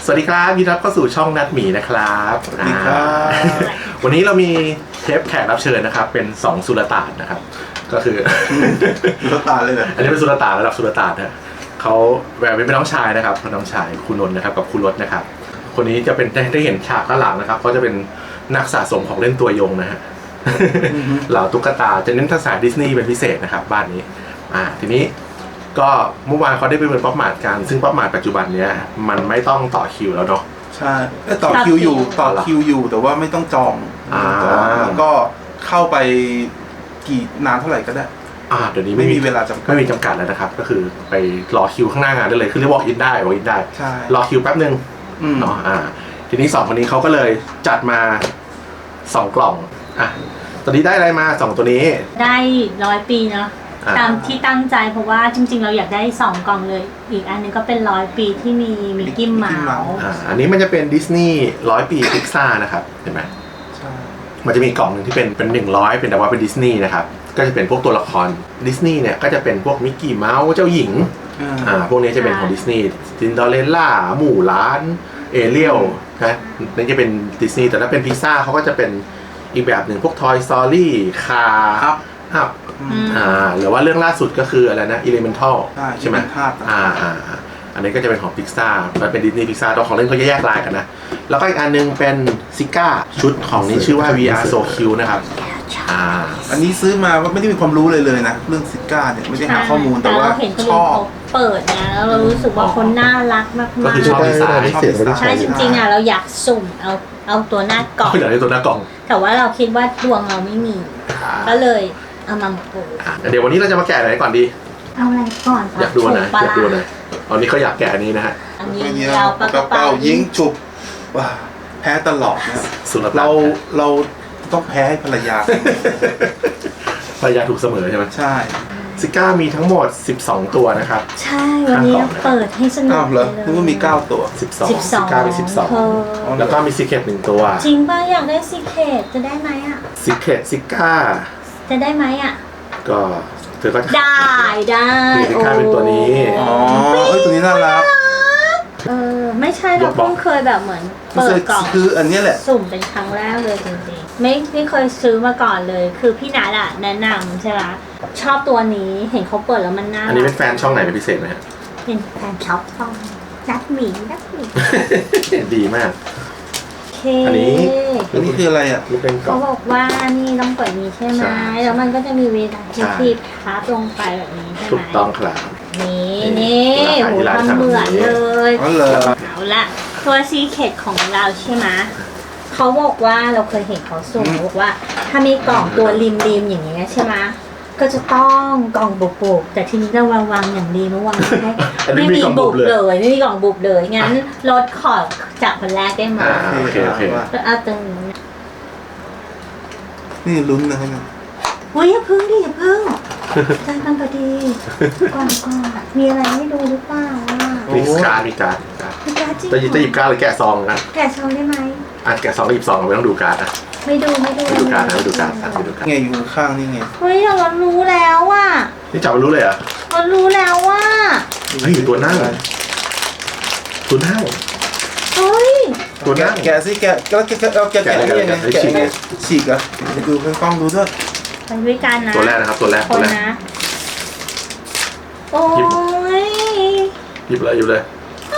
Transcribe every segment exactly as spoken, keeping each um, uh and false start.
สวัสดีครับยินดีต้อนรับเข้าสู่ช่องนัดหมีนะครับสวัสดีครับวันนี้เรามีเทปแขกรับเชิญนะครับเป็นสองสุลต่านนะครับก็คือสุลต่านเลยนะอันนี้เป็นสุลต่านระดับสุลต่านนะเขาแบบเป็นน้องชายนะครับน้องชายคุณนนท์นะครับกับคุณรถนะครับคนนี้จะเป็นได้เห็นฉากด้านหลังนะครับเขาจะเป็นนักสะสมของเล่นตัวยงนะฮะเหล่าตุ๊กตาจะเน้นทักษะดิสนีย์เป็นพิเศษนะครับบ้านนี้อ่าทีนี้ก็เมื่อวานเขาได้ไปเป็นป๊อปมาร์ทกันซึ่งป๊อปมาร์ทปัจจุบันเนี้ยมันไม่ต้องต่อคิวแล้วเนาะใช่ต่อคิวอยู่ต่อคิวอยู่แต่ว่าไม่ต้องจองแล้วก็เข้าไปกี่นานเท่าไหร่ก็ได้อ่าเดี๋ยวนี้ไม่มีเวลาจำกัดไม่มีจำกัดแล้วนะครับก็คือไปรอคิวข้างหน้างานได้เลยคือเรียก walk in ได้ walk in ได้รอคิวแป๊บนึงเนาะอ่าทีนี้สองคนนี้เขาก็เลยจัดมาสองกล่องอ่ะตอนนี้ได้อะไรมาสองตัวนี้ได้ร้อยปีเนาะตามที่ตั้งใจเพราะว่าจริงๆเราอยากได้สองกล่องเลยอีกอันนึงก็เป็นร้อยปีที่มีมิกกี้เมาส์อ่าอันนี้มันจะเป็นดิสนีย์ร้อยปีพิกซ่านะครับเห็นไหมใช่มันจะมีกล่องหนึ่งที่เป็นเป็นหนึ่งร้อยเป็นแต่ว่าเป็นดิสนีย์นะครับก็จะเป็นพวกตัวละครดิสนีย์เนี่ยก็จะเป็นพวกมิกกี้เมาส์เจ้าหญิงอ่าพวกนี้จะเป็นของดิสนีย์ซินเดอเรลล่าหมู่ล้านเอเรียลนะนี่จะเป็นดิสนีย์แต่ถ้าเป็นพิกซ่าเขาก็จะเป็นอีกแบบหนึ่งพวก Toy Story คาร์อัพอ่าหรือว่าเรื่องล่าสุดก็คืออะไรนะ Elemental ใช่ไหมอ่าอ่าอันนี้ก็จะเป็นของ Pixar มันเป็น Disney Pixar ตัวของเล่นเขาจะแยกลายกันนะแล้วก็อีกอันนึงเป็นซิก้าชุดของนี้ชื่อว่า วี อาร์ So Cute นะครับอ่าอันนี้ซื้อมาไม่ได้มีความรู้เลยเลยนะเรื่องซิก้าเนี่ยไม่ได้หาข้อมูลแต่ว่าชอบเปิดนะแล้วเรารู้สึกว่าคนน่ารักมากๆก็คือชอบดีไซน์ใช่จริงๆอ่ะเราอยากสุ่มเอาเอาตัวหน้ากล่องอยากได้ตัวหน้ากล่องแต่ว่าเราคิดว่าดวงเราไม่มีก็เลยเอามาปูเดี๋ยววันนี้เราจะมาแกะอะไรก่อนดีเอาอะไรก่อนอยากดูนะอยากดูนะตอนนี้เขาอยากแกะอันนี้นะฮะอันนี้เราปากระเป๋ายิงฉุบว้าแพ้ตลอดนะเราเราต้องแพ้ให้ภรรยาภรรยาถูกเสมอใช่ไหมใช่ซิก้ามีทั้งหมดสิบสองตัวนะครับใช่วันนี้เราเปิดให้สนุกเลยนึกว่ามีเก้าตัวสิบสองซิก้ามีสิบสองแล้วก็มีซีเคร็ตหนึ่งตัวจริงป่ะอยากได้ซีเคร็ตจะได้ไหมอ่ะซีเคร็ตซิก้าจะได้ไหมอ่ะก็เธอก็ได้ได้ซิก้าเป็นตัวนี้อ๋อเอ้ยตัวนี้น่ารักเออไม่ใช่เราเพิ่งเคยแบบเหมือนเปิดกล่องคืออันนี้แหละสุ่มเป็นครั้งแรกเลยจริงๆไม่ไม่เคยซื้อมาก่อนเลยคือพี่นัทอ่ะแนะนำใช่ไหมชอบตัวนี้เห็นเขาเปิดแล้วมันน่าอันนี้เป็นแฟนช่องไหนเป็นพิเศษไหมฮะเป็นแฟนช็อปช่องนัดหมีนัดหมีดีมากอันนี้อันนี้คืออะไรอ่ะเขาบอกว่านี่ต้องเปิดนี้ใช่ไหมแล้วมันก็จะมีเวลาที่คลิปพับลงไปแบบนี้ใช่ไหมถูกต้องครับนี่นี่โหทำเหมือนเลยเอาละตัวซีเคร็ตของเราใช่ไหมเขาบอกว่าเราเคยเห็นเขาส่งบอกว่าถ้ามีกล่องตัวริมริมอย่างเงี้ยใช่ไหมก็จะต้องกล่องบุบๆแต่ทีนี้เราวางวางอย่างดีเมื่อวานไม่ไม่มีบุบเลยไม่มีกล่องบุบเลยงั้นลดขอจากคนแรกได้ไหมโอเคโอเคก็เอาตรงนี้นี่ลุ้นนะฮะเฮ้ยอย่าพึ่งดิอย่าพึ่งใจมันพอดีก่อนก่อนมีอะไรให้ดูหรือเปล่ามีการ์ดมีการ์ดมีการ์ดจริงจะจะหยิบการ์ดหรือแกะซองนะแกะซองได้ไหมอ่ะแกะซองหยิบซองไม่ต้องดูการ์ดอ่ะไม่ดูไม่ดูไม่ดูการ์ดไม่ดูการ์ดไม่ดูการ์ดไงอยู่ข้างนี่ไงเฮ้ยเรารู้แล้วว่ะนี่จับมันรู้เลยอ่ะเรารู้แล้วว่าเฮ้ยตัวนั่งตัวนั่งเฮ้ยตัวนั่งแกะสิแกะแล้วแกะเอาแกะแกะยังไงแกะฉีกอ่ะดูให้กล้องดูด้วยไปด้วยกันนะตัวแรกนะครับตัวแรกตัวแรกโอ้ยหยิบเลยหยิบเลย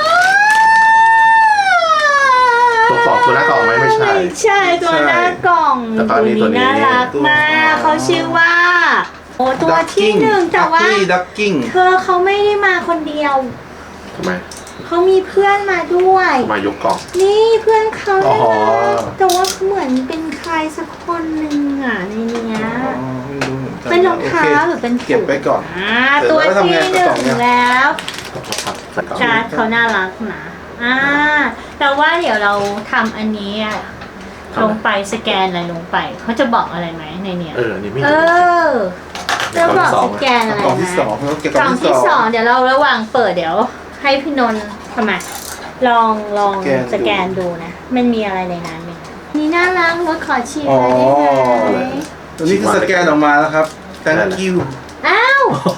ตัวกล่องตัวหน้ากล่องไหมไม่ใช่ใช่ตัวหน้ากล่องตัวนี้น่ารักมากเขาชื่อว่าโอ้ตัวที่หนึ่งแต่ว่าเธอเขาไม่ได้มาคนเดียวทำไมเขามีเพื่อนมาด้วยมายกกล่องนี่เพื่อนเขาแต่ว่าเหมือนเป็นใครสักคนหนึ่งอ่ะในนี้เป็นรองเท้าหรือเป็นเก็บไปก่อนตัวที่หนึ่งแล้วการ์ดเขาน่ารักนะอ่าแต่ว่าเดี๋ยวเราทำอันนี้ลงไปสแกนอะไรลงไปเขาจะบอกอะไรไหมในเนี้ยเออนี่ไม่เออจะบอกสแกนอะไรนะกล่องที่สองกล่องที่สองเดี๋ยวเราระหว่างเปิดเดี๋ยวให้พี่นนท์ทำไมลองลองสแกนดูนะมันมีอะไรในนั้นไหมนี่น่ารักรถขอชีพอะไรได้ไหมตัวนี้คือสแกนออกมาแล้วครับ thank you อ้าวแค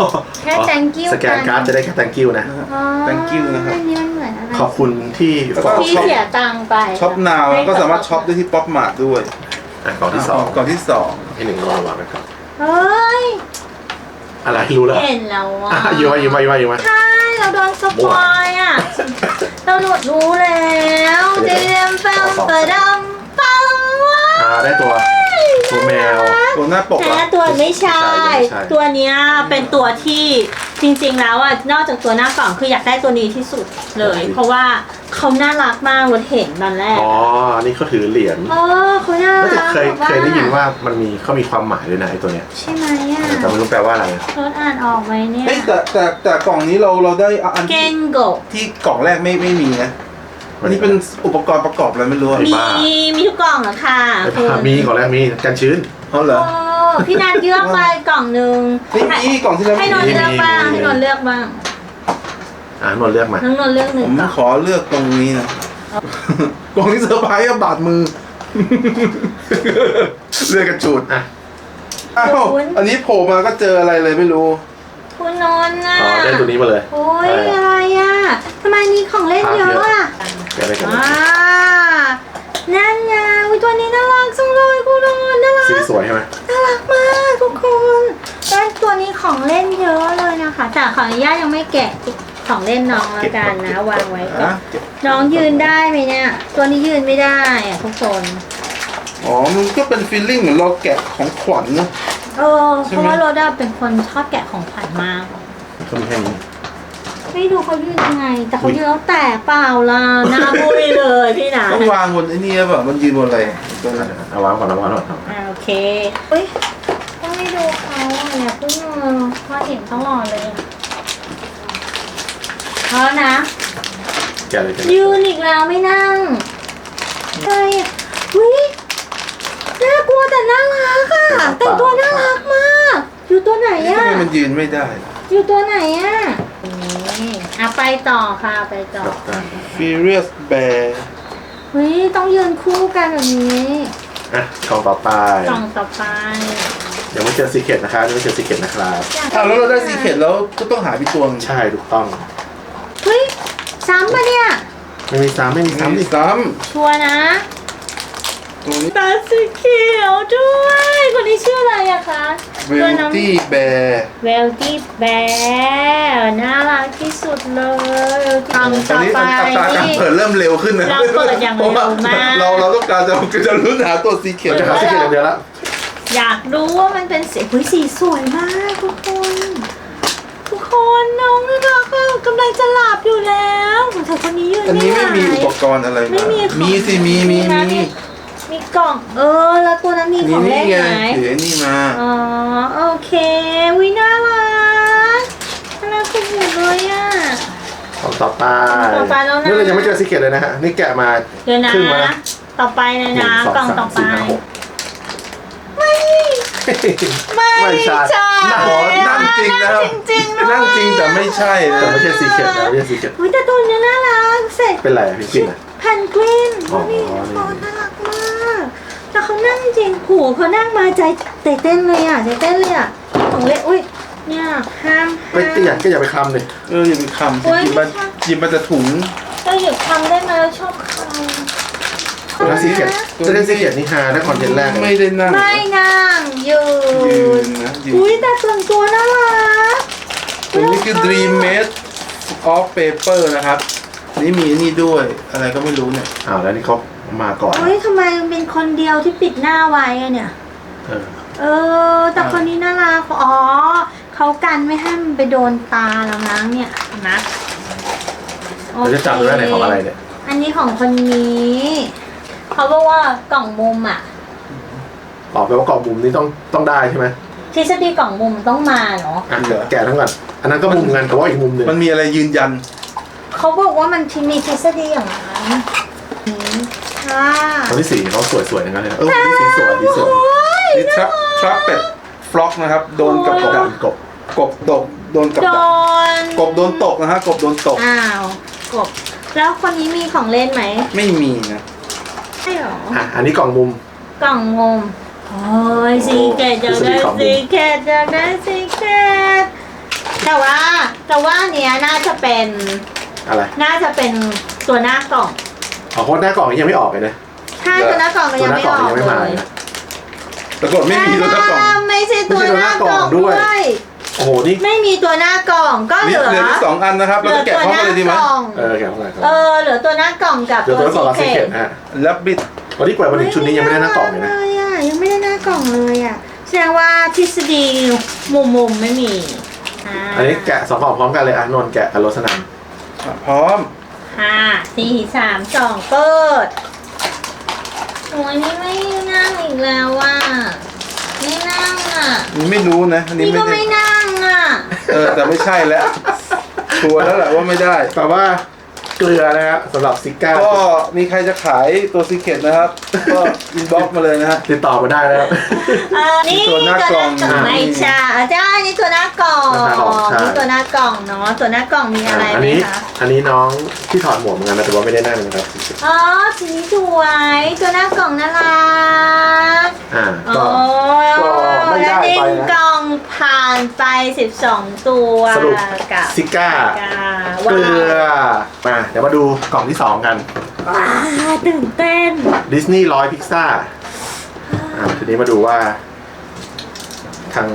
ค่ thank you สแกนการ์ดจะได้แค่ thank you นะอ๋อ thank you นะครับอันนี้มันเหมือนอะไรขอบคุณที่แล้วก็บอกที่เสียตังค์ไปช็อปนาวก็สามารถช็อปได้ที่ป๊อปมาร์ทด้วยอ่ะกล่องที่สองกล่องที่สองให้หนึ่งรอวางไว้ก่อนเฮ้ยอะไรรู้แล้วเห็นแล้วอ่ะอ่ะยืมมายืมมายืมมายืมมาใช่เราโดนสปอยอ่ะเราหลุดรู้แล้วเดมปังปะดำปังว้าอ่าได้ตัวตัวแมวตัวหน้าปกแต่อะตัวไม่ใช่ไม่ใช่ตัวเนี้ยเป็นตัวที่จริงๆแล้วอ่ะนอกจากตัวหน้ากล่องคืออยากได้ตัวนี้ที่สุดเลย เพราะว่าเขาน่ารักมากเราเห็นตอนแรกอ๋อนี่เขาถือเหรียญโอ้เขาน่าแล้วแต่รักเคยแบบเคยได้ยินว่ามันมีเขามีความหมายด้วยนะไอ้ตัวเนี้ยใช่ไหมอ่ะแต่ไม่รู้แปลว่าอะไรรถอ่านออกไหมเนี่ยเฮ้ยแต่แต่แต่กล่องนี้เราเราได้อันเกที่นโกะที่กล่องแรกไม่ไม่มีนะอันนี้เป็นอุปกรณ์ประกอบอะไรไม่รู้อะมีบ้ามีทุกกล่องเหรอคะไอ้คุณผ้ามีก่อนแรกมีกันชื้นเขาเหรอโอ้พี่นันเลือกไปกล่องหนึ่งไม่มีกล่องที่แล้วให้นนท์มีเลือกบ้างมีให้นนท์เลือกบ้างอ่านหมดเลือกมาน้องนนท์เลือกหนึ่ผงมกล่องขอเลือกตรงนี้นะ กล่องที่เซอร์ไพรส์อะบาดมือ เลือกกระจุดอ่ะอ้าวอันนี้โผล่มาก็เจออะไรเลยไม่รู้คุณนนท์น่ะอ๋อได้ตัวนี้มาเลยโอ้ยอะไรอ่ะทำไมมีของเล่นเยอะอ่ะแกะได้กันอ่านั่นไงอุ๊ยตัวนี้น่ารักจังเลยคุณนนท์น่ารักสีสวยใช่ไหมน่ารักมากทุกคนแล้วตัวนี้ของเล่นเยอะเลยนะคะแต่ขออนุญาตยังไม่แกะของเล่นน้องแล้วกันนะวางไว้ก่อนอ่ะน้องยืนได้ไหมเนี่ย ตัวนี้ยืนไม่ได้อะทุกคนอ๋อ มันก็เป็นฟีลลิ่งเหมือนเราแกะของขวัญนะเออใช่เพไหมราะว่าโรด้าเป็นคนชอบแกะของขวัญมากเขามีแค่นี้ไม่ดูเขายืนยังไง แต่เขายืนแล้วแตกเปล่าล่ะหน้าบุยเลยพี่หนาต้องวางบนไอ้นี่หรือเปล่ามันยืนบนอะไรตัวนั้นเอาวางก่อนเอาวางก่อนเอาอ่าโอเคเฮ้ยต้องไม่ดูเขาอ่ะเนี่ยเพิ่งมาเห็นตลอดเลยเพราะนะแกะเลยแกะเลยยืนอีกแล้วไม่นั่งใช่วิน่ากลัวแต่น่ารักอ่ะแต่งตัวน่ารักมาก อยู่ตัวไหนนี่อ่ะทำไมมันยืนไม่ได้อยู่ตัวไหนอ่ะนี่อ่ะไปต่อค่ะไปต่อ Furious Bear เฮ้ยต้องยืนคู่กันแบบนี้อ่ะกล่องต่อไปกล่องต่อไปเดี๋ยวไม่เจอซีเคทนะครับยังไม่เจอซีเคทนะครับอ่ะแล้วเราได้ซีเค็ดแล้วก็ต้องหาพี่ตวงใช่ถูกต้องเฮ้ยซ้ำปะเนี่ยไม่มีซ้ำไม่มีซ้ำดิซ้ชัวร์นะำตัวนี้ตาสีเขียวด้วยคนนี้ชื่ออะไรอะคะ Beauty Bear เวลตี้แบร์น่ารักที่สุดเลยกล่องตอต่นอนี้ไปอัตราการเปิดเริ่มเร็วขึ้นนะเราเปิดอย่างเร็วมากเราเราต้องการจะจะลุ้นหาตัวซีเค็ดจะหาซีเคทอย่างเดียวละอยากรู้ว่ามันเป็นสีเฮ้ยสีสวยมากทุกคน ทุกคนน้องน่ารักอะกำลังจะหลับอยู่แล้วของเธอคนนี้ยืนอันไม่นี้ไหวไม่มีอุปกรณ์อะไรไม่มามีของมีสิมีมีนะมีมีกล่องเออแล้วตัวนั้นมีมีของนี่เล่นไงไหมถือไอ้นี่มาอ๋อโอเควิน่ารักน่ารักสุดๆเลยอ่ะกล่องต่อไปต่อไปแล้วนะนี่เรายังไม่เจอซีเคทเลยนะฮะนี่แกะมาเดี๋ยวนะครึ่งแล้วนะต่อไปเลยนะหนึ่งสองกล่องต่อสามไปสี่ห้าหกไม่ ไม่ไม่ใช่ใช่นั่งนั่งจริงนะครับจริงๆด้วยนั่งจริงแต่ไม่ใช่แต่นะไม่ใช่ซีเคทนะไม่ใช่ซีเคทอุ๊ยแต่ตัวนี้น่ารักเสร็จเป็นไรอะพี่ปิ่นอะแพนกวินอ๋อนี่นี่เขาน่ารักมากแต่เขานั่งจริงหูเขานั่งมาใจเต้นเต้นเลยอ่ะใจเต้นเลยอ่ะของเล่นอุ้ยเนี่ยห้ามไม่ห้ามก็อยากก็อย่าไปคลำเลยเอออย่าไปคำสิโอ๊ยหยิบมาไม่ใช่หยิบมาจะถุงเราหยุดทำได้ไหมเราชอบคแล้วซีเคทจะได้ซีเคทนี่ฮาได้คอนเทนต์แรกเลยไม่ได้นั่งำไม่นั่งยืยืนนนะยืนอุ้ยแต่ส่วนตัวน่ารักตัวนี้คือ Dream Made of Paper นะครับ นี่มีนี่ด้วยอะไรก็ไม่รู้เนี่ยอ้าวแล้วนี่เขามาก่อนเฮ้ยทำไมเป็นคนเดียวที่ปิดหน้าไว้อะเนี่ยเออเออ แต่คนนี้น่ารักอ๋อเขากันไม่ให้มันไปโดนตาเรานะเนี่ยนะเราจะจำได้ไหนของอะไรเนี่ยอันนี้ของคนนี้เขาบอกว่ากล่องมุมอ่ะออกไปว่ากล่องมุมนี่ต้องต้องได้ใช่ไหมทฤษฎีกล่องมุมต้องมาเนาะอ่ะแกะทั้งก่อนอันนั้นก็มุมกันแต่ว่าอีกมุมหนึ่งมันมีอะไรยืนยันเขาบอกว่ามันมีทฤษฎีอย่างนั้นอืมค่ะคนที่สี่เขาสวยๆทั้งนั้นเลยนะเออคนที่สีสวยสีสวยโอ้ยนี่ทรัพทรัพเป็ดฟล็อกนะครับ โดนกับกกระบดาษกบกบตก โดนกับโดดักนกบโดนตกนะฮะกบโดนตกอ้าวกบแล้วคนนี้มีของเล่นไหมไม่มีนะใช่หรออ่ะอันนี้กล่องมุมกล่องมุมโอ้ยซีเกตอยากได้ทฤษฎีกล่องมุมซีเกตอยากได้ซีเกตแพแต่ว่าแต่ว่าเนี้ยน่าจะเป็นอะไรน่าจะเป็นตัวหน้ากล่องอ๋อโค้ดหน้ากล่องยังไม่ออกเลยนะใช่ตัวหน้ากล่องก็ตัวยังหน้าไม่กล่องออกยังไม่เลมาย นะแต่ก่อนไม่มีตัวหน้ากล่องไม่ใช่ตัวหน้ากล่องด้วยโอ้โหนี่ไม่มีตัวหน้ากล่องก็เหนี่ลือเหลือที่สองอันนะครับเหเราลือจะแกะตัวพร้อมหกันน้าเลยดีไหมกล่องเออแกะเข้าไปครับเออเหลือตัวหน้ากล่องกับเดี๋ยวตัตัว วละกล่องละซีสิเคเก็ร็ตตฮะแล้วบิดวันนี้กว่ามาถึงชุดนี้ยังไม่ได้หน้ากล่องเลยนะเลยอ่ะยังไม่ได้หน้ากล่องเลยอ่ะแสดงว่าทฤษฎีมุมมุมๆไม่มีาอันนี้แกะสองกล่องพร้อมกันเลยอ่ะนนท์แกะกับรสนันอ่ะพร้อมห้าสี่สามสองเปิดโอ้ยนี่ไม่นั่งอีกแล้วว่ะไม่นั่งอ่ะนี่ไม่รู้นะอันนี้นี่ไม่ก็ได้ไม่นั่งอ่ะเออแต่ไม่ใช่แล้วชัวร์แล้วแหละว่าไม่ได้แต่ว่าเกลือนะครับสำหรับซิก้าก็มีใครจะขายตัวซีเคร็ตนะครับ ก็อินบ็อกซ์มาเลยนะฮะติดต่อมาได้แล้วเออนี่ตัวหน้ากล่องไม่ใช่อาจารย์นี่ตัวหน้ากล่องหน้ากล่องใช่นี่ตัวหน้ากล่องเนาะตัวหน้ากล่องมีอะไรอันไหมนี้คะอันนี้น้องที่ถอดหมวกเหมือนกันนะแต่ว่าไม่ได้นั่งนะครับอ๋อสีนี้สวยตัวหน้ากล่องน่ารักอ่าโอ้ก็ ก็ไม่ได้แล้วไปดิ้งนะกล่องผ่านไปสิบสองตัวสรุปกับซิก้ากาเกลือมาเดี๋ยวมาดูกล่องที่สองกันว้าวตื่นเต้นดิสนีย์ร้อยพิกซ่าอ่าทีนี้มาดูว่า ทาง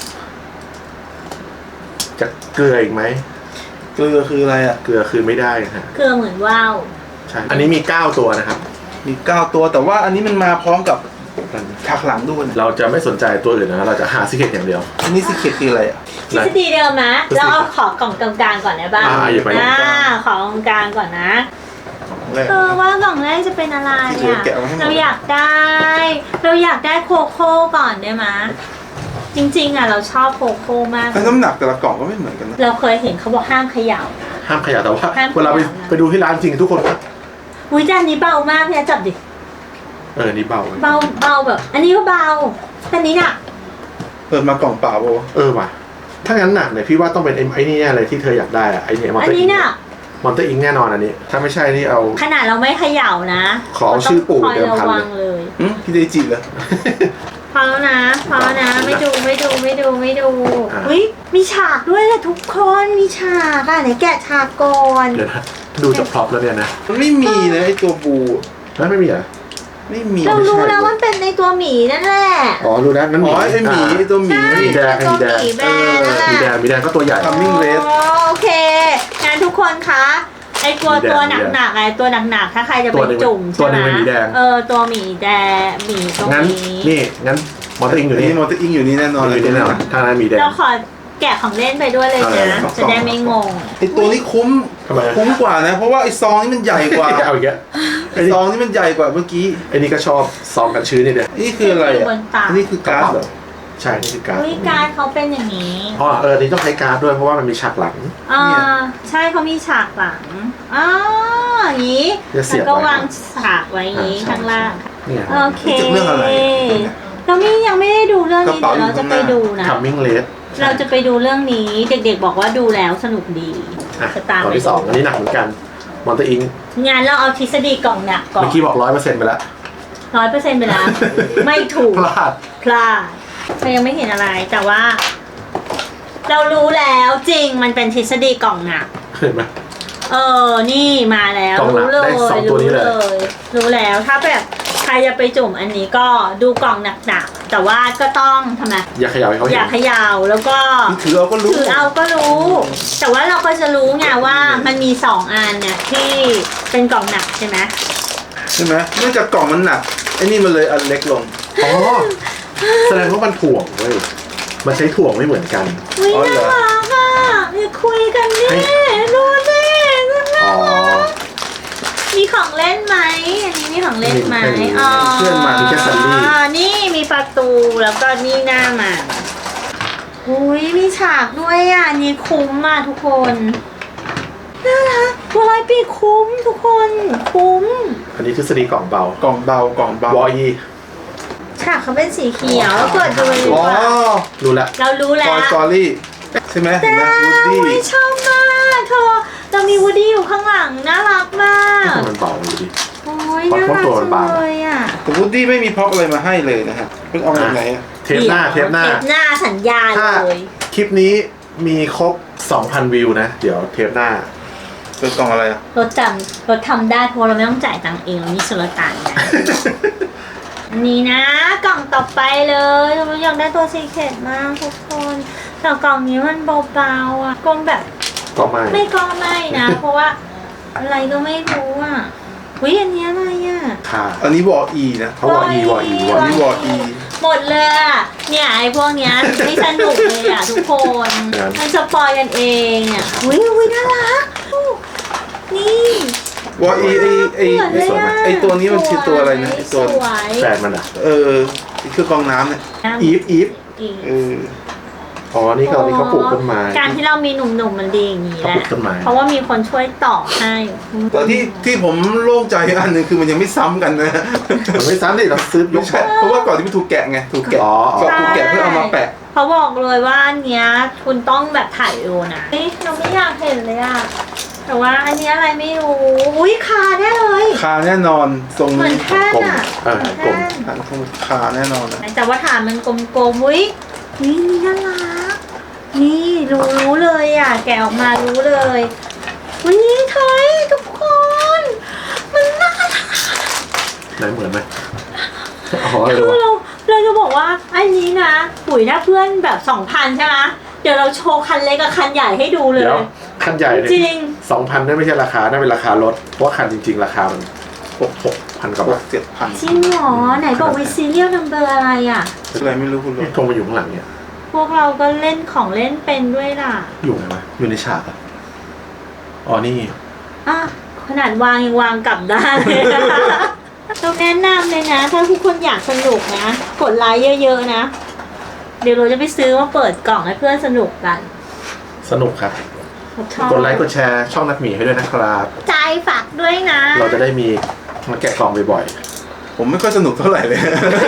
จะเกลืออีกไหมเกลือคืออะไรอ่ะเกลือคือไม่ได้นะฮะเกลือเหมือนว่าวใช่อันนี้มีเก้าตัวนะครับมีเก้าตัวแต่ว่าอันนี้มันมาพร้อมกับฉากหลังด้วยนะเราจะไม่สนใจตัวอื่นนะเราจะหาซิกเก็ตอย่างเดียวอันนี้ซีเคร็ตคืออะไรอ่ะทฤษฎีเดิมนะเราเอาขอกล่องกลางๆก่อนได้บ้างอ่าอย่าไปอ่าขอกล่องกลางก่อนนะแรกเออว่ากล่องแรกจะเป็นอะไรที่เหลืออ่ะแกะเอาให้หมดเราอยากได้ เราอยากได้โคโค่ก่อนได้ไหมจริงๆอ่ะเราชอบโคโค่มากแต่น้ำหนักแต่ละกล่องก็ไม่เหมือนกันนะเราเคยเห็นเขาบอกห้ามเขย่าห้ามขยับแต่ว่าห้ามขยับเวลาไปนะไปดูที่ร้านจริงทุกคนก็อุ้ยจานนี้เบามากเนี่ยจับดิเออนี่เบาเบาเบาแบบ อันนี้ก็เบาแต่นี้หนักเปิดมากล่องเปล่าโบเออว่ะถ้างั้นหนักเนี่ยพี่ว่าต้องเป็นไอ้ไอ้นี่แน่เลยที่เธออยากได้อะไอ้เนี่ยมอนอัเตนอร์นี้อิงหนักมอนเตอร์อิงแน่นอนอันนี้ ถ้าไม่ใช่นี่เอาขนาดเราไม่เขย่านะขอเอาชื่อปู่ราเดิมต้องคอยพันระวังเลยหึพี่เดจิเหรอพอแล้วนะพอแล้วนะไม่ดูไม่ดูไม่ดูไม่ดูอ่ะอุ้ยมีฉากด้วยแหละทุกคนมีฉากอ่ะไหนแกะฉากก่อนเดี๋ยวนะดูจากพร็อพแล้วเนี่ยนะมันไม่มีนะไอตัวบูแล้วไม่มีเหรอไม่มีเราไม่รู้ใช่แล้วมันเป็นในตัวหมีนั่นแหละอ๋อรู้แล้วนั่นหอ๋มีอไอหมีไอตัวหมีใช่มีแดงเป็นตัวหมีแบรนด์นั่นแหมีแดละงมีแดงก็ตัวใหญ่ทำ Coming Red อ๋อโอเคงั้นทุกคนคะไอตัวหมีแดงตัวหนักๆไอตัวหนักๆถ้าใครจะตัไปวหนึ่งจุ่มตัวใช่หนึ่ไหมงเป็นหมีแดงเออตัวหมีแดงหมีตรงงั้นนี้นี่งั้นมอนเตอร์อิงอยู่อันนี่นี้มอเตอร์อิงอยู่นี่แน่นอนอยู่นี่แน่นอนทางนั้นมีแดงเราขอแกะของเล่นไปด้วยเลยเอาเลยนะเอาจะได้ไม่งงไอตัวนี้คุ้มทำไมคุ้มกว่านะ เพราะว่าไอซองนี่มันใหญ่กว่าเอาอีกแล้วไอซองนี่มันใหญ่กว่าเมื่อกี้ไอ้นี่ก็ชอบซองกันชื้นนี่เดียวนี่คืออะไรอ่ะบนตาอันนี้คือการ์ดเหรอใช่นี่คือการ์ดวิการดเขาเป็นอย่างนี้อ๋อเออนี่ต้องใช้การ์ดด้วยเพราะว่ามันมีฉากหลังอ่าเนี่ยใช่เขามีฉากหลังอ๋ออย่างนี้จะเสีแล้ยบวก็ไว้วางฉากไว้อย่างนี้อ่าใช่ข้างล่างนี่ไงโอเคนี่จะเรื่องอะไรเราไม่ยังไม่ได้ดูเรื่องนี้กระเป๋าเดี๋ยวเราจะไปอยู่ข้างหน้าดูนะคัมมิ่งเลสเราจะไปดูเรื่องนี้ เด็กๆบอกว่าดูแล้วสนุกดีอ่ะจะตามกล่องไปที่สองอันนี้หนักเหมือนกันมอนเตอร์อิงงานเราเอาทฤษฎีกล่องหนักก่อนเมื่อกี้บอกร้อยเปอร์เซ็นต์ไปแล้วร้อยเปอร์เซ็นต์ไปแล้ว ไม่ถูกพลาดพลาดเรายังไม่เห็นอะไรแต่ว่า เรารู้แล้วจริงมันเป็นทฤษฎีกล่องหนักเห็นไหมเออ นี่มาแล้วกล่องหนักรู้เลได้ยสองตัวนี้รู้เลยเลย รู้แล้วถ้าแบบใครจะไปจุ่มอันนี้ก็ดูกล่องหนักๆแต่ว่าก็ต้องทำไมอย่าเขย่าให้เขาอเห็ย่านเขยาวแล้วก็นี่ถือเอาก็รู้ถือเอาก็รู้ แต่ว่าเราก็จะรู้ไงว่ามันมีสองอันเนี่ยที่เป็นกล่องหนักใช่ไหมใช่ไหมเนื่องจากกล่องมันหนักไอ้นี่มันเลยอันเล็กลงอ๋อแสดงว่ามันถ่วงเว้ยมันใช้ถ่วงไม่เหมือนกันอุ้ยอ๋อเหรน่าอรักอ่ะอย่าคุยกันนี่ให้ดูสิน่าอ๋อรักมีของเล่นไหมอันนี้มีของเล่นไหมไม่มีอ๋อเพื่อนมามีแค่ซันนี่นี่มีประตูแล้วก็นี่หน้ามาอุ้ยมีฉากด้วยอ่ะอันนี้คุ้มมากทุกคนน่ารักตัวร้อยปีคุ้มทุกคนคุ้มอันนี้ทฤษฎีกล่องเบากล่องเบากล่องเบาวอยีฉากเขาเป็นสีเขียวเปิดดูเลยดีอ๋อกว่ารู้ละเรารู้แล้ Toy ว Story ใช่ไหมเห็นไหมวูดดี้อุ๊ยชอบมากเธอเรามีวูดดี้อยู่ข้างหลังน่ารักมากมันเบาดูดิโอ้ยเพราะน่ารักตัวมัจันงบางเลยอ่ะแต่วูดดี้ไม่มีพ็อปอะไรมาให้เลยนะฮะเป็นเอาแบบไหนอะเทปหน้าเทปหน้าเทปหน้าสัญญาถ้าเลยคลิปนี้มีครบ สองพัน วิวนะ เดี๋ยวเทปหน้าเป็นกล่องอะไรอ่ะรถจำรถทำได้เพราะเราไม่ต้องจ่ายตังค์เองเรามีสุลต่านนะ อันนี้นะกล่องต่อไปเลยเราอยากได้ตัวซีเคร็ตมากทุกคนแต่กล่องนี้มันเบาๆอ่ะกลมแบบก็ไม่ไม่ก็ไม่นะ เพราะว่าอะไรก็ไม่รู้อ่ะวิอันนี้อะไรอ่ะค่ะอันนี้วออีนะเขาวออีวออีวออันอีนี้วออีหมดเลยอ่ะเนี่ยไอ้พวกเนี้ยไม่สนุกเลยอ่ะทุกคนมันสปอยกันเองอ่ะวิวิน่ารักนี่วออีไอไอเหมือนเลยอะไอตัวนี้มันชื่อตัวอะไรนะไอตัวสวยแฟนมันอ่ะเออคือกองน้ำเนี่ยอีฟอีฟอีกเอออ๋อ นี่เขานี่เขาปลูกต้นไม้การที่เรามีหนุ่มๆมันดีอย่างนี้เขาแหปลูละกต้นไม้เพราะว่ามีคนช่วยต่อให้แต่ที่ที่ผมโล่งใจอันหนึ่งคือมันยังไม่ซ้ำกันนะมันไม่ซ้ำดิเราซื้อยไม่กใช่เพราะว่าก่อนที่มันถูกแกะไงถูกแกะอ๋อก่อนถูกแกะเพื่อเอามาแปะเขาบอกเลยว่าอันเนี้ยคุณต้องแบบถ่ายดูนะเฮ้ยเราไม่อยากเห็นเลยอะแต่ว่าอันนี้อะไรไม่รู้อุ้ยคาแน่เลยคาแน่นอนทรงเหมือนนี้แท่นกลมอะเออเหมือนกลมแท่นฐานคงคาแน่นอนนะแต่ว่าฐานมันกลมๆอุ้ยนี่นี่น่ารักนี่รู้รู้เลยอะแกะออกมารู้เลยวันนี้เฮ้ยทุกคนมันน่ารักไหนเหมือนไหมอ๋อเอคืออเราเราจะบอกว่าอันนี้นะปุ๋ยถ้าเพื่อนแบบสองพันใช่ไหมเดี๋ยวเราโชว์คันเล็กกับคันใหญ่ให้ดูเลยเดี๋ยวคันใหญ่เนี่ยจริงสองพันนั่นไม่ใช่ราคานั่นเป็นราคารถ เพราะว่าคันจริงๆ ราคามันหกหกพันกว่าหบาก ทเจ็ดพันจริงเหรอไหนบอกวิซีเรียลนัมเบอร์อะไรอ่ะอะไรไม่รู้คุณรู้นี่ธงมาอยู่ข้างหลังเนี่ยพวกเราก็เล่นของเล่นเป็นด้วยล่ะอยู่ไหนวะอยู่ในฉากอ่ะ อ๋อ นี่อ่ะขนาดวางยังวางกลับได้เลยเราแนะนำเลยนะ ถ้าทุกคนอยากสนุกนะ กดไลค์เยอะๆนะ เดี๋ยวเราจะไปซื้อมาเปิดกล่องให้เพื่อนสนุกกันสนุกครับชอบกดไลค์กดแชร์ช่องนักหมีให้ด้วยนะครับใจฝากด้วยนะเราจะได้มีมาแกะกล่องบ่อยผมไม่ค่อยสนุกเท่าไหร่เลย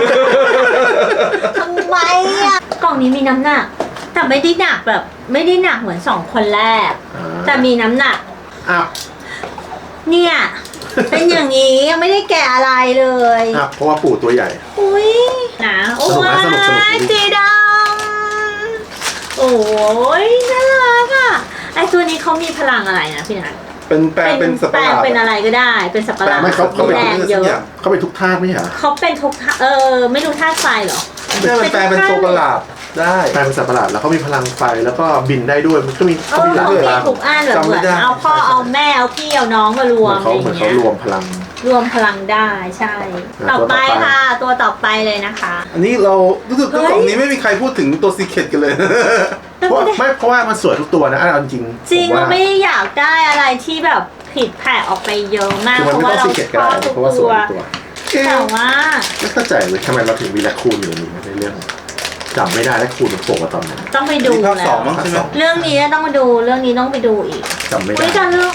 ทำไมอ่ะกล่องนี้มีน้ำหนัก แต่ไม่ได้หนักแบบ ไม่ได้หนักเหมือนสองคนแรกๆอ่าแต่มีน้ำหนักอ้าวเนี่ย เป็นอย่างนี้ยังไม่ได้แกะอะไรเลยอ้าวเพราะว่าปู่ตัวใหญ่อุ้ยนะโอ้สนุกนะสนุกสนุกยสีดำโอ้ยน่ารักอ่ะไอตัวนี้เขามีพลังอะไรนะพี่นัทเป็นแปลงเป็นสัตว์แปปลระหงลาดเป็นอะไรก็ได้ เป็นสัตว์ประหลาดแต่ไม่เขาเขาเป็นแรงเยทุกออะย่างเขาเป็นทุกธาตุไม่ใช่เหรอเขาเป็นทุกท่าเออ ไม่รู้ท่าไฟเหรอไม่ใช่มันแปลงเป็นตัวประหลาดได้แปลงเป็นสัตว์ประหลาดแล้วเขามีพลังไฟแล้วก็บินได้ด้วยมันก็มีเอเขาอมีหลายเขาพมีลังทุกอันแบบจำเหไม่มือนได้เอาพ่อเอาแม่เอาพี่เอาน้องมารวเหมืมอนอะเขาไรเหมือนเขาเงี้ยรวมพลังรวมพลังได้ใช่อ่ะต่อไปตัวต่อไปค่ะ ตัวต่อไปเลยนะคะอันนี้เรารู้สึกเฮ้ยกล่องนี้ไม่มีใครพูดถึงตัวซีเคร็ตกันเลยเพราะไม่เพราะว่ามันสวยทุกตัวนะเอาจริงๆจริงผมเราว่าไม่ได้อยากได้อะไรที่แบบผิดแผกออกไปเยอะมากคือเพมันราะไม่ว่าต้องซีเกตก็ได้เราชอบทุกเพราะว่าสตัววยทุกตัวแต่ว่าไม่เข้าใจเลยทำไมเราถึงมีแรคคูนอยู่ในนี้ในเรื่องจำไม่ได้แรคคูนมันโผล่มาตอนไหนต้องไปดูนี่ภาคแล้สอวงมั้งใช่ไหมเรื่องนี้ต้องมาดูเรื่องนี้ต้องไปดูอีกจำไม่ได้อุ้ยจะเรื่อง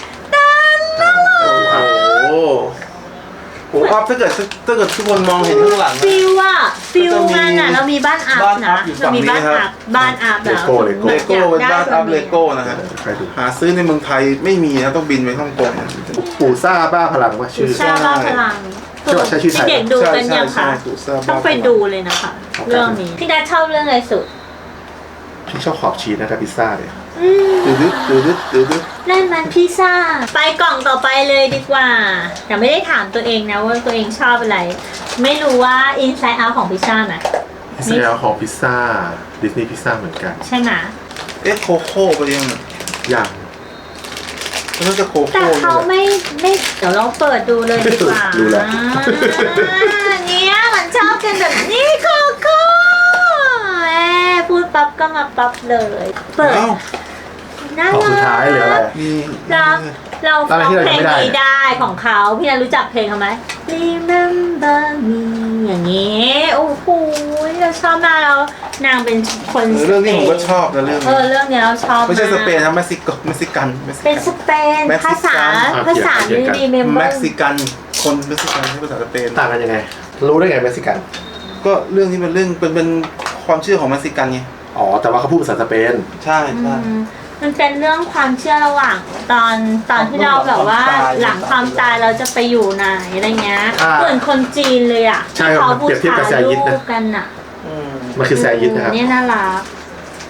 อ่าโอ้โหโอ้โหอัพถ้าเกิดถ้าเกิดทุกคนมองเห็นข้างหลังนะฟิลอะฟิลก็จะมีมันอะเรามีบ้านอัพบ้านอันะพอยู่เรามีบ้านฝั่งนี้ครัอับพบ้านอัพแล้วเลโก้เลโก้เป็นบ้านอัพเลโก้นะนะฮะใครดูหาซื้อในเมืองไทยไม่มีนะต้องบินไปฮ่องกงปู่ซ่าบ้าพลังว่าชื่อชาบ้าพลังใช่ใช่ชื่อไทยเด็กๆดูใช่กันใช่ยังใช่คะถูกทราบต้องไปดูเลยนะคะ เรื่องนี้พี่นัทชอบเรื่องอะไรสุดพี่ชอบขอบชีสนะครับพิซซ่าเนี่ยอืมตืดดึ๊ดตืดดึ๊ดตืดดึ๊ดนั่นมันพิซซ่าไปกล่องต่อไปเลยดีกว่าแต่ไม่ได้ถามตัวเองนะว่าตัวเองชอบอะไร ไม่รู้ว่าอินไซด์เอาของพิซซ่าไหมพิซซ่าของพิซซ่าดิสนีย์พิซซ่าเหมือนกันใช่ไหมเอ๊ะโคโค่ไปยังอย่างมันน่าจะโคแต่โค่เขาไม่ไม่เดี๋ยวเราเปิดดูเลยดีกว่าดูแล้วอ่าเนี่ยมันชอบกันแบบนี้โคโค่แหมพูดปั๊บก็มาปั๊บเลย เปิดเอ้าน่าของสุดรัท้ายเหลืออะไรกมีเราเราอะฟัไรง ที่เราเพลยังงไม่ได้นี้ได้ของเขาพี่นันรู้จักเพลงเขาไหม Remember me อย่างนี้โอ้โหเราชอบมากแล้วนางเป็นคนเออเรื่องนี้ผมก็ชอบนะเรื่องเอนี้อเรื่องนี้เราชอบไม่ใช่ากสเปนนะเม็กซิโกเม็กซิกันเม็กซิเป็นกันสเปนเม็กซิกันภาษาอ่ะภาษาเขียนกัน Remember เม็กซิกันคนเม็กซิกันที่ภาษาสเปนต่างกันยังไง รู้ได้ไงเม็กซิกันก็เรื่องนี้เป็นเรื่องเป็นเป็นความเชื่อของเม็กซิกันไงอ๋อ แต่ว่าเขาพูดภาษาสเปนใช่ใช่อืมมันเป็นเรื่องความเชื่อระหว่างตอนตอนที่เราแบบว่าหลังความตายเราจะไปอยู่ไหนอะไรเงี้ยอ่าเหมือนคนจีนเลยอ่ะใช่ที่ครับเขาบูเปรียบเทียบชากับแซยิรูดนะปกันอ่ะอืมมันคือแซยิดนะครับเนี่ยน่ารัก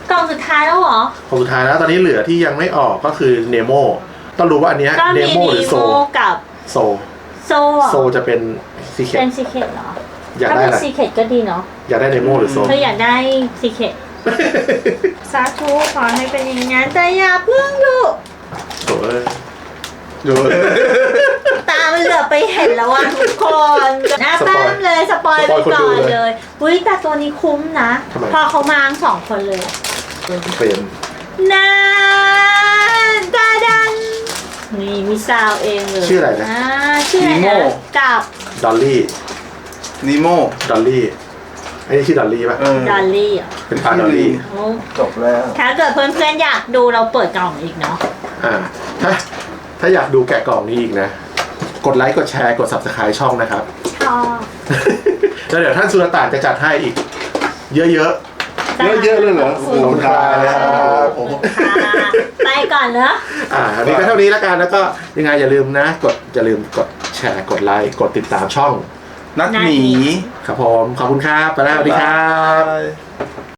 กล่องสุดท้ายแล้วเหรอของสุดท้ายแล้วตอนนี้เหลือที่ยังไม่ออกก็คือเนโมต้องรู้ว่าอันเนี้ยก็เนมีโมหนีรือโซโมกับโซโซเหรอโซจะเป็นซีเคเป็นซีเคทเหรออยากถ้าได้เป็นอะไรซีเคทก็ดีเนาะอยากได้เนโมหรือโซเธออยากได้ซีเคทสาธุขอให้เป็นอย่างนั้นแต่อย่าเพิ่งดูโอ้ยดูตามันเหลือไปเห็นแล้วว่าทุกคนหน้าสปแป้อยมเลยสปอยสไปปอยคนก่ดูอนเลยเลยอุ้ยแต่ตัวนี้คุ้มนะทำไมพอเขามาทั้งสองคนเลยเฟรมนาตาดันนี่มีซาวเองเลยชื่ออะไรนะาชื่ออะไรนะกับดอลลี่นิโมดอลลี่ไอ้นี่ชื่อดอลลี่ป่ะเออดอลลี่เหรอเป็นปลาดอลลี่โอ้จบแล้วถ้าเกิดเพื่อนๆอยากดูเราเปิดกล่องอีกเนาะอ่าถ้าถ้าอยากดูแกะกล่องนี้อีกนะ กดไลค์กดแชร์กด ซับสไครบ์ ช่องนะครับชอบแล้วเดี๋ยวท่านสุรต่านจะจัดให้อีก เยอะเยอะเยอะเลยเหรอขอบคุณครับโอ้โหค่ะไปก่อนเนอะๆอ่าอันนี้ก็เท่านี้แล้วกันแล้วก็ยังไงอย่าลืมนะ กดอย่าลืมกดแชร์กดไลค์กดติดตามช่องนักหนีครับผมขอบคุณครับไปแล้วสวัสดีครับบ๊ายบาย